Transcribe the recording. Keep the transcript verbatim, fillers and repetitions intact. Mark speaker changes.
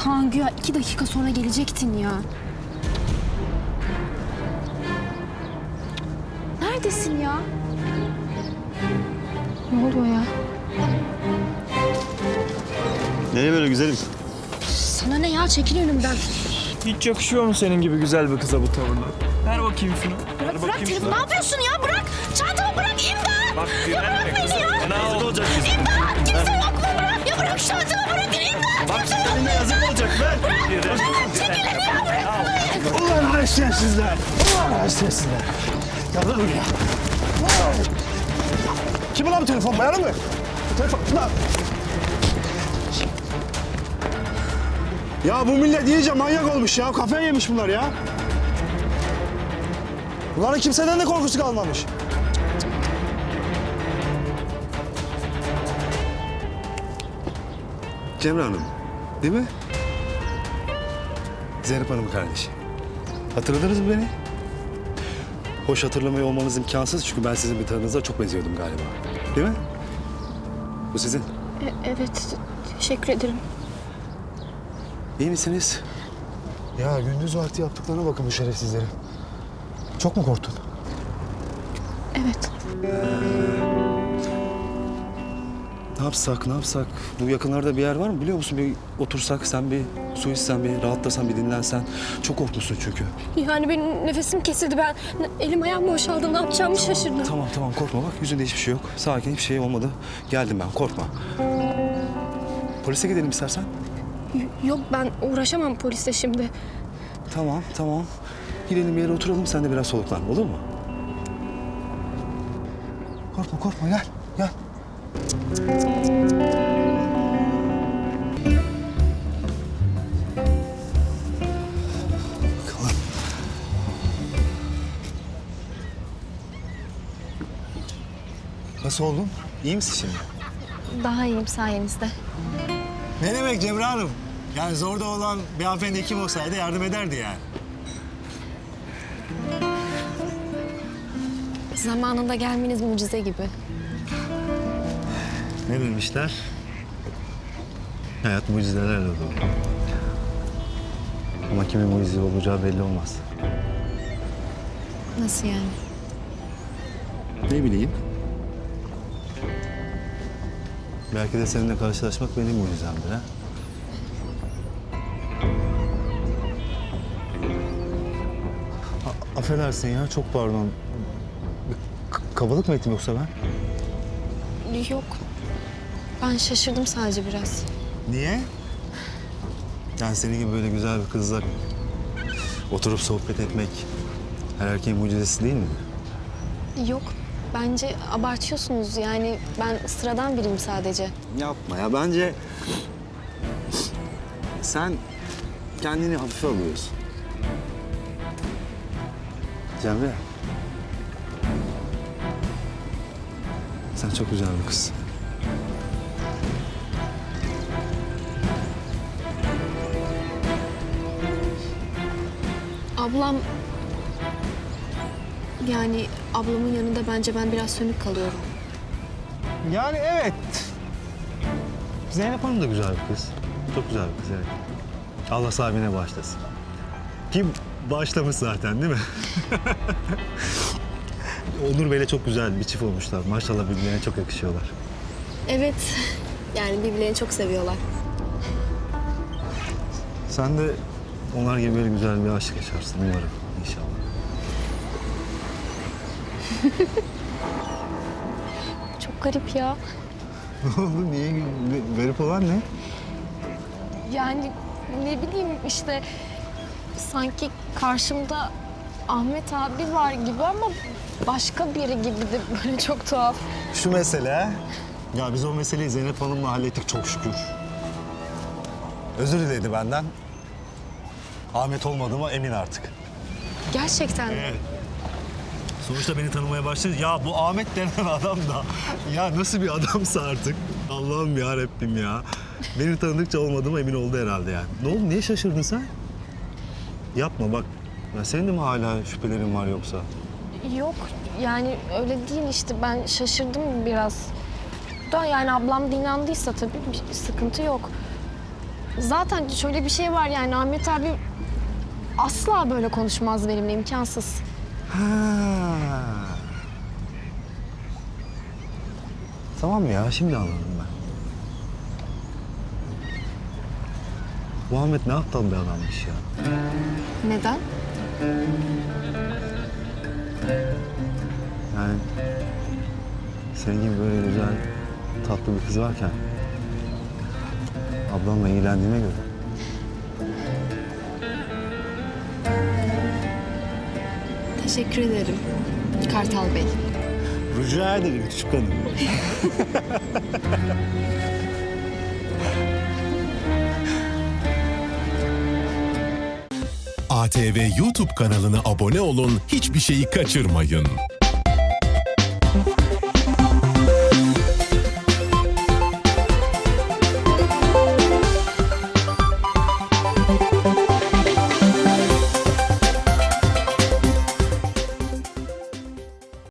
Speaker 1: Kaan güya iki dakika sonra gelecektin ya. Neredesin ya? Ne oluyor ya?
Speaker 2: Nereye böyle güzelim?
Speaker 1: Sana ne ya? Çekil önümden.
Speaker 3: Hiç yakışıyor mu senin gibi güzel bir kıza bu tavırlar? Ver bakayım şunu.
Speaker 1: Bırak, bırak telefonu. Ne yapıyorsun ya? Bırak. Çantamı bırak. İmdat.
Speaker 3: Bak
Speaker 1: Ya bırak beni ya.
Speaker 3: Ne olacak?
Speaker 1: İmdat. Kimse yok mu? Bırak. Ya bırak çantamı bırakın. İmdat.
Speaker 3: Bak seninle yazık olacak ver.
Speaker 1: Bırak. Çekilin ya. Bırak.
Speaker 2: Ulan haysiyetsizler! Ulan haysiyetsizler! Gel lan buraya! Kim ulan bu telefon? Bayanı mı? Telefon, lan! Ya bu millet iyice manyak olmuş ya. Kafayı yemiş bunlar ya. Bunların kimseden de korkusu kalmamış. Cemre Hanım, değil mi? Zeynep Hanım'ın kardeşi. Hatırladınız mı beni? Hoş hatırlamıyor olmanız imkansız çünkü ben sizin bir tanınıza çok benziyordum galiba. Değil mi? Bu sizin.
Speaker 1: E, evet. Teşekkür ederim.
Speaker 2: İyi misiniz? Ya gündüz vakti yaptıklarına bakın bu şerefsizlerin. Çok mu korktun?
Speaker 1: Evet.
Speaker 2: Ne yapsak, ne yapsak? Bu yakınlarda bir yer var mı biliyor musun? Bir otursak, sen bir su içsen, bir rahatlasan, bir dinlensen. Çok korkmuşsun çünkü.
Speaker 1: Yani benim nefesim kesildi. Ben elim ayağım boşaldı. Ne yapacağımı şaşırdım.
Speaker 2: Tamam tamam korkma bak yüzünde hiçbir şey yok. Sakin hiçbir şey olmadı. Geldim ben korkma. Polise gidelim istersen.
Speaker 1: Y- Yok ben uğraşamam polisle şimdi.
Speaker 2: Tamam tamam. Gidelim bir yere oturalım sen de biraz soluklan olur mu? Korkma korkma gel gel. Bakalım. Nasıl oldun? İyi misin şimdi?
Speaker 1: Daha iyiyim sayenizde.
Speaker 2: Ne demek Cemre Hanım? Yani zorda olan bir hanımefendi kim olsaydı yardım ederdi yani.
Speaker 1: Zamanında gelmeniz mucize gibi.
Speaker 2: Ne demişler? Hayat mucizelerle dolu. Ama kimin mucize olacağı belli olmaz.
Speaker 1: Nasıl yani?
Speaker 2: Ne bileyim. Belki de seninle karşılaşmak benim mucizemdir ha. A- affedersin ya, çok pardon. Bir k- kabalık mı ettim yoksa ben?
Speaker 1: Yok. Ben şaşırdım sadece biraz.
Speaker 2: Niye? Yani senin gibi böyle güzel bir kızla oturup sohbet etmek her erkeğin mucizesi değil mi?
Speaker 1: Yok. Bence abartıyorsunuz. Yani ben sıradan biriyim sadece.
Speaker 2: Yapma ya, bence sen kendini hafife alıyorsun. Cemre, sen çok güzel bir kızsın.
Speaker 1: Ablam... Yani ablamın yanında bence ben biraz sönük kalıyorum.
Speaker 2: Yani evet. Zeynep Hanım da güzel bir kız. Çok güzel bir kız, evet. Allah sahibine bağışlasın. Ki bağışlamış zaten değil mi? Onur Bey'le çok güzel bir çift olmuşlar. Maşallah birbirlerine çok yakışıyorlar.
Speaker 1: Evet. Yani birbirlerini çok seviyorlar.
Speaker 2: Sen de onlar gibi böyle güzel bir aşk yaşarsın umarım inşallah.
Speaker 1: Çok garip ya.
Speaker 2: Ne oldu? Niye? Ne- Garip olan ne?
Speaker 1: Yani ne bileyim işte sanki karşımda Ahmet abi var gibi ama başka biri gibi de böyle çok tuhaf.
Speaker 2: Şu mesele. Ya biz o meseleyi Zeynep Hanım'la hallettik çok şükür. Özür diledi benden. Ahmet olmadığıma emin artık.
Speaker 1: Gerçekten mi?
Speaker 2: Evet. Sonuçta beni tanımaya başladı. Ya bu Ahmet denen adam da ya nasıl bir adamsa artık. Allah'ım ya Rabbim ya. Beni tanıdıkça olmadığıma emin oldu herhalde yani. Ne oldu? Niye şaşırdın sen? Yapma bak. Ya senin de mi hala şüphelerin var yoksa?
Speaker 1: Yok yani öyle değil işte ben şaşırdım biraz. Da yani ablam da inandıysa tabii bir sıkıntı yok. zaten şöyle bir şey var yani Ahmet abi asla böyle konuşmaz benimle, imkansız.
Speaker 2: Ha. Tamam ya, şimdi anladım ben. Bu Ahmet ne aptal bir adammış ya.
Speaker 1: Neden?
Speaker 2: Yani senin gibi böyle güzel, tatlı bir kız varken ablamla ilgilendiğine göre.
Speaker 1: Teşekkür ederim Kartal Bey.
Speaker 2: Rica ederim küçük hanım.
Speaker 4: A T V YouTube kanalına abone olun, hiçbir şeyi kaçırmayın.